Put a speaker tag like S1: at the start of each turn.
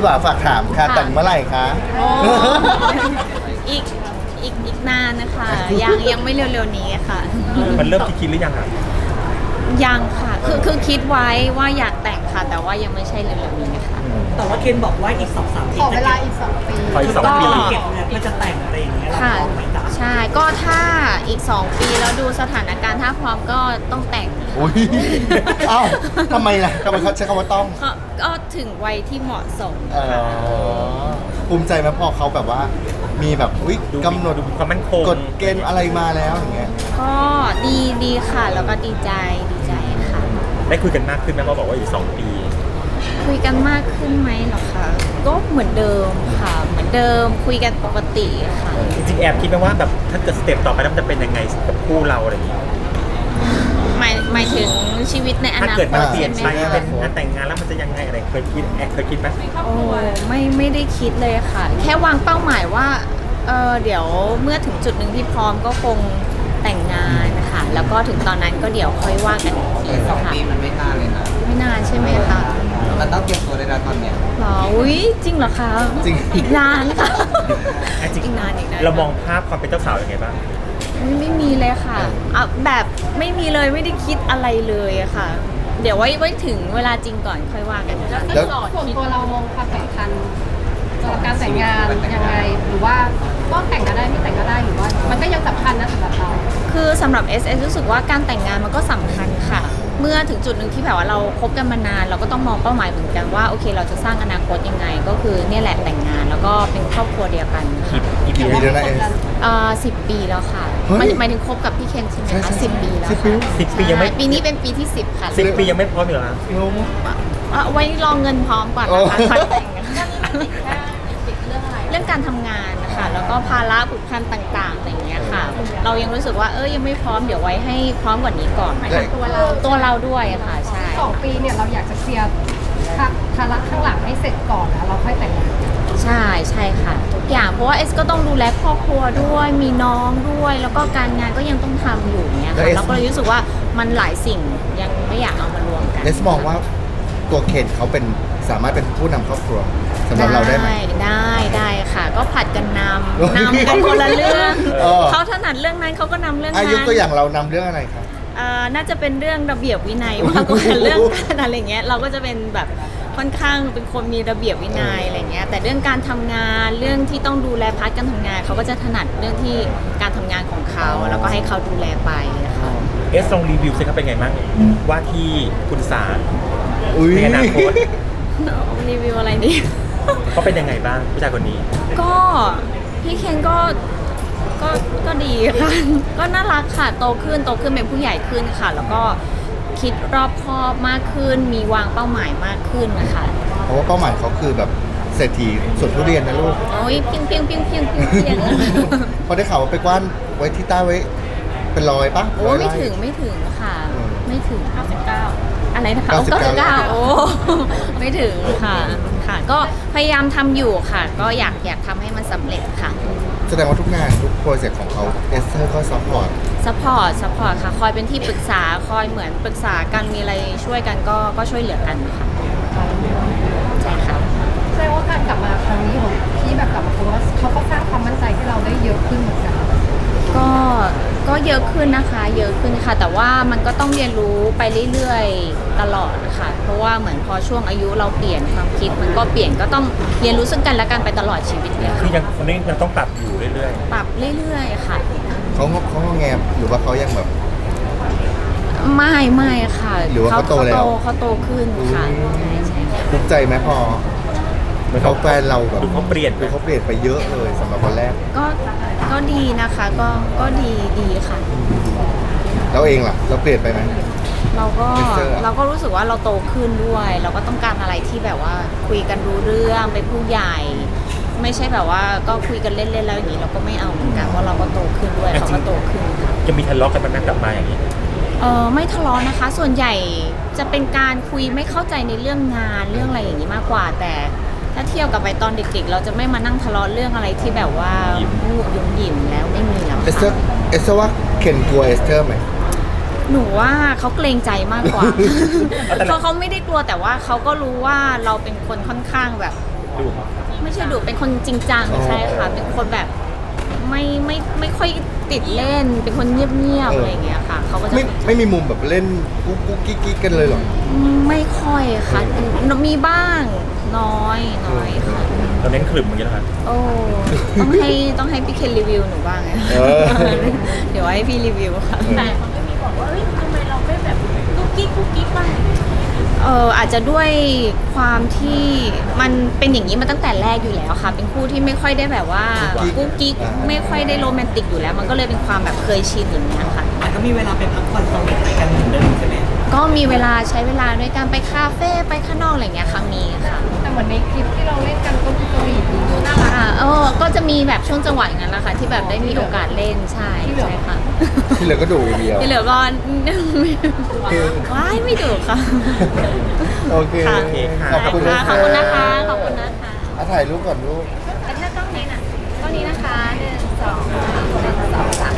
S1: พี่บ่าวฝากถามค่ะแต่งเมื่อไหร่คะ
S2: โอ้อีกอีกนานนะคะยังไม่เร็วๆนี้ค่ะ
S3: มันเริ่มคิดหรือยังอ่ะ
S2: ยังค่ะคือคิดไว้ว่าอยากแต่งค่ะ แต่ว่ายังไม่ใช่เร็วๆนี้ค่ะ
S4: แต่ว่าเคนบอกว่าอีก 2-3 ปี
S5: ขอเวลาอีก2 ปี
S3: ขออีก2 ปี
S4: เก็บเงินเพื่อจะแต่งอะไรอย่างเงี้ยเรา
S2: ค่ะ
S4: พร้อมไหมจ๊ะ
S2: ใช่ก็ถ้าอีก2 ปีแล้วดูสถานการณ์ถ้าพร้อมก็ต้องแต่ง
S1: อุ้ยเอ้าทำไมล่ะทำไมเขาใช้คำว่าต้อง
S2: ก็ถึงวัยที่เหมาะสม
S1: เออภูมิใจไหมพอเขาแบบว่า มีแบบอุ๊ย
S3: ดู
S1: กำหนด
S3: ดูความมั่นคง
S1: กฎเกณฑ์อะไรมาแล้วอย่างเงี้ย
S2: ก็ดีค่ะแล้วก็ดีใจค่ะ
S3: ได้คุยกันมากขึ้นไหมเพราะบอกว่าอยู่2 ปี
S2: คุยกันมากขึ้นไหมเหรอคะก็เหมือนเดิมค่ะเหมือนเดิมคุยกันปกติค่ะ
S3: จริงๆแอบคิดไหมว่าแบบถ้าเกิดสเต็ปต่อไปแล้วมันจะเป็นยังไงกับคู่เราอะไรอย่างเงี้ย
S2: หมายถึงชีวิตในอ
S3: ถ้า
S2: นาค
S3: เกิด
S2: ต
S3: มันเปลี่ยน
S2: ใช่
S3: ไป
S2: ไหม
S3: เป็น
S2: คะ
S3: งานแต่งงานแล้วมันจะยังไงอะไรเคยคิดเคยคิดไหม
S2: โอ้ไม่ได้คิดเลยค่ะ แค่วางเป้าหมายว่าเดี๋ยวเมื่อถึงจุดหนึ่งที่พร้อมก็คงแต่งงานค่ะแล้วก็ถึงตอนนั้นก็เดี๋ยวค่อยว่ากันอีกที
S6: 2
S2: ค่ะ
S6: ปีมันไม่นานเลยนะ
S2: ไม่นานใช่ไหมคะ
S6: มันต้องเตรียมตัวได้แล้วตอนเนี้ย
S2: หรออุ้ยจริงเหรอคะ
S1: จริง
S2: อีกนานค่ะ
S3: อ่ะจริง
S2: อีกนาน
S3: เรามองภาพความเป็นเจ้าสาวยังไงบ้าง
S2: ไม่มีเลยค่ะแบบไม่มีเลยไม่ได้คิดอะไรเลยอะค่ะ เดี๋ยวไว้ถึงเวลาจริงก่อนค่อยว่ากันค่ะ
S1: แล้ว
S5: ส่วนตัวเรามองความสำคัญสำหรับการแต่งงานยังไงหรือว่าก็แต่งก็ได้ไม่แต่งก็ได้หรือว่า มันก็ยังสำคัญนะสำหรับเรา
S2: คือสำหรับ SS รู้สึกว่าการแต่งงานมันก็สำคัญค่ะ เมื่อถึงจุดหนึ่งที่แบบว่าเราคบกันมานานเราก็ต้องมองเป้าหมายเหมือนกันว่าโอเคเราจะสร้างอนาคตยังไง ก็คือเนี่ยแหละแต่งงานแล้วก็เป็นครอบครัวเดียวกันค่ะ
S3: กี่ปี
S1: มีเดือนละเอส
S2: 10 ปีแล้วค่ะ
S1: เฮ้ย
S2: หมายถึงคบกับพี่เคนใช่ไหม
S1: ใช่
S2: คะ
S1: ใช่
S2: 10 ปีแล้ว
S1: 10 ปี
S2: ค่ะ
S3: 10 ปียังไม่
S2: ใช่ปีนี้เป็นปีที่ 10 ค่ะ
S3: 10 ปียังไม่พร้อมอยู่แล้ว
S2: ไว้รองเงินพร้อมก่อนนะคะ
S1: โอ้
S2: ค่อยแต่งเรื่องการทำงานนะคะแล้วก็ภาระผูกพันต่างๆอะไรอย่างเงี้ยค่ะ เรายังรู้สึกว่ายังไม่พร้อมเดี๋ยวไว้ให้พร้อมกว่านี้ก่อน
S5: หมายถึงตัวเรา
S2: ด้วยค่ะใช่
S5: 2 ปีเนี่ยเราอยากจะเคลียร์ภาระข้างหลังให้เสร็จก่อนแล้วเราค่อยแต่งงาน
S2: ใช่ค่ะทุกอย่างเพราะว่าเอสก็ต้องดูแลครอบครัวด้วยมีน้องด้วย แล้วก็การงานก็ยังต้องทำอยู่เนี้ย
S1: แล้ว
S2: ค่ะ
S1: เอส
S2: เราก็เลยรู้สึกว่ามันหลายสิ่งยังไม่อยากเอามารวมกัน
S1: เอสมองว่าตัวเคนเขาเป็นสามารถเป็นผู้นำครอบครัวสำหรับเราได้ไหม
S2: ได้ค่ะ ก็ผัดกันน
S1: เฮ้ย
S2: ำกันคนละเรื่อง
S1: เออ
S2: เขาถนัดเรื่องนั้นเขาก็นำเรื่อง
S1: อา
S2: นั้น
S1: ยุตัวอย่างเรานำเรื่องอะไรครับ
S2: น่าจะเป็นเรื่องระเบียบวินัยมากกว่าเรื่องการอะไรเงี้ยเราก็จะเป็นแบบค่อนข้างเป็นคนมีระเบียบวินัยอะไรเงี้ยแต่เรื่องการทำงานเรื่องที่ต้องดูแลพาร์ทการทำงานเขาก็จะถนัดเรื่องที่การทำงานของเขาแล้วก็ให้เขาดูแลไปนะคะ
S3: เอสลองรีวิวสิครับเป็นไงบ้างว่าที่คุณสาร
S1: อุ้ย
S3: ในอนาคต
S2: รีวิวอะไรดี
S3: เขาเป็นยังไงบ้างผู้ชายคนนี้
S2: ก็พี่เคนก็ดีค่ะ ก็น่ารักค่ะโตขึ้นเป็นผู้ใหญ่ขึ้นค่ะ แล้วก็คิดรอบคอบมากขึ้น มีวางเป้าหมายมากขึ้นนะคะ
S1: เพราะว่าเป้าหมายเขาคือแบบเศรษฐีสวนทุเรียนนะลูก
S2: โอ้ยเพียง
S1: เขาได้ข่าวว่าไปกว้านไว้ที่ใต้ไว้เป็นรอยปะ
S2: โอ้
S1: ร้ย
S2: ไม่
S1: ร่
S2: ถึงค่ะ
S1: อืม
S2: ไม่ถึง99อะไรนะคะ99โอ้ไม่ถึงค่ะ ก็พยายามทำอยู่ค่ะ ก็อยากทำให้มันสำเร็จค่ะ
S1: แสดงว่าทุกงานทุกโปรเจกต์ของเขาเอสเธอร์ก็ซัพพอร์ต
S2: ซัพพอร์ตค่ะ คอยเป็นที่ปรึกษาคอยเหมือนปรึกษากันมีอะไรช่วยกันก็ช่วยเหลือกันค่ะใช่ค่ะ
S5: แสดงว่าการกลับมาครั้งนี้ของพี่แบบกลับมาเพราะว่าเขาก็สร้างความมั่นใจให้เราได้เยอะขึ้นเหมือนกัน
S2: ก็เยอะขึ้นนะคะ เยอะขึ้นค่ะ แต่ว่ามันก็ต้องเรียนรู้ไปเรื่อยๆตลอดค่ะ เพราะว่าเหมือนพอช่วงอายุเราเปลี่ยนความคิดมันก็เปลี่ยนก็ต้องเรียนรู้ซึ่งกันและกันไปตลอดชีวิตเลย
S3: คือ
S2: ค่ะ
S3: ยังคนนี้ยังต้องปรับอยู่เรื่อย
S2: ปรับเรื่อยๆค่ะ
S1: เขาแงมหรือว่าเขายังแบบ
S2: ไม่ค่ะ
S1: หรือว่าเขาโตแล้ว
S2: เขาโตขึ้นค่ะ
S1: อืม
S2: ใช่ค่ะ
S1: ภูมิใจไหมพอ
S3: ๆเหมือน
S1: เขาแฟนเราแบบ
S3: ดูเขาเปลี่ยน
S1: คือเขาเปลี่ยนไปเยอะเลยสำหรับวันแรก
S2: ก็ดีนะคะก็ดีค่ะ
S1: แล้วเองล่ะ เราเปลี่ยนไปไหม
S2: เราก็
S1: Esther อะ
S2: เราก็รู้สึกว่าเราโตขึ้นด้วย เราก็ต้องการอะไรที่แบบว่าคุยกันรู้เรื่องเป็นผู้ใหญ่ ไม่ใช่แบบว่าก็คุยกันเล่นๆแล้วอย่างนี้เราก็ไม่เอาเหมือนกันเพราะเราก็โตขึ้นด้วยเขาก็โตขึ้นค่ะ
S3: จะมีทะเลาะกันไหมกลับมาอย่างนี้
S2: ไม่ทะเลาะนะคะ ส่วนใหญ่จะเป็นการคุยไม่เข้าใจในเรื่องงานเรื่องอะไรอย่างนี้มากกว่า แต่ถ้าเทียบกับไปตอนเด็กๆ เราจะไม่มานั่งทะเลาะเรื่องอะไรที่แบบว่า
S3: ยิ้ม
S2: งูยุ่มหยิมแล้วไม่มีแล้ว
S1: เอสเธอ
S2: ค่ะ
S1: ร์เอสเธอร์ว่าเคนกลัวเอสเธอร์ไหม
S2: หนูว่าเขาเกรงใจมากกว่า เขาไม่ได้กลัวแต่ว่าเขาก็รู้ว่าเราเป็นคนค่อนข้างแบบ
S3: ดู
S2: ไม่ใช่ดุเป็นคนจริงจังใช่ค่ะ เป็นคนแบบไม่ค่อยติดเล่น เป็นคนเงียบๆอะไรอย่างเงี้ยค่ะเขาก็จะ
S1: ไม่มีมุมแบบเล่นกุ๊กกุ๊กกิ๊กกิ๊กกันเลยเหรอ
S2: ไม่ค่อยค่ะมีบ้างน้อยค่ะ
S3: เราเน้นขลุ่มอย่างนี้แล้วครับ
S2: โอ้ต้องให้พี่เคนรีวิวหนูบ้างไง
S1: เออ
S2: เดี๋ยวให้พี่รีวิวค่ะ
S5: แต่เขาไม่มีบอกว่าเฮ้ยทำไมเราไม่แบบกุ๊กกิ๊กบ้าง
S2: อาจจะด้วยความที่มันเป็นอย่างนี้มาตั้งแต่แรกอยู่แล้วค่ะ เป็นคู่ที่ไม่ค่อยได้แบบว่ากุ๊กกิ๊กไม่ค่อยได้โรแมนติกอยู่แล้ว มันก็เลยเป็นความแบบเคยชินอย่างเงี้ยค่ะ
S4: แต่ก็มีเวลาไปพักผ่อนสวีทอะไรกันเหมือนเดิมใช่ไหม
S2: ก็มีเวลาใช้เวลาด้วยการไปคาเฟ่ไปข้างนอกอะไรอย่างเงี้ยค่ะมีค่ะ
S5: แต่เหมือนในคลิปที่เราเล่นกันก็ดูสวีทดีดูน่ารัก
S2: ก็จะมีแบบช่วงจังหวะอย่างนั้นแหละค่ะที่แบบได้มีโอกาสเล่นใช่ค่ะ
S1: ที่เหลือก็ดูอย่างเดียว
S2: ที่เหลือก็ ว้ายไม่ดุค่ะ
S1: โอเค
S2: ค่ะ
S3: โอเคค่ะ
S1: ขอบคุณ
S2: ขอบคุณนะคะขอบคุณนะคะ
S1: ถ่ายรูปก่อนลูก
S2: แล้วถ้ากล้องนี้น่ะกล้องนี้นะคะ1 2 3 1 2 3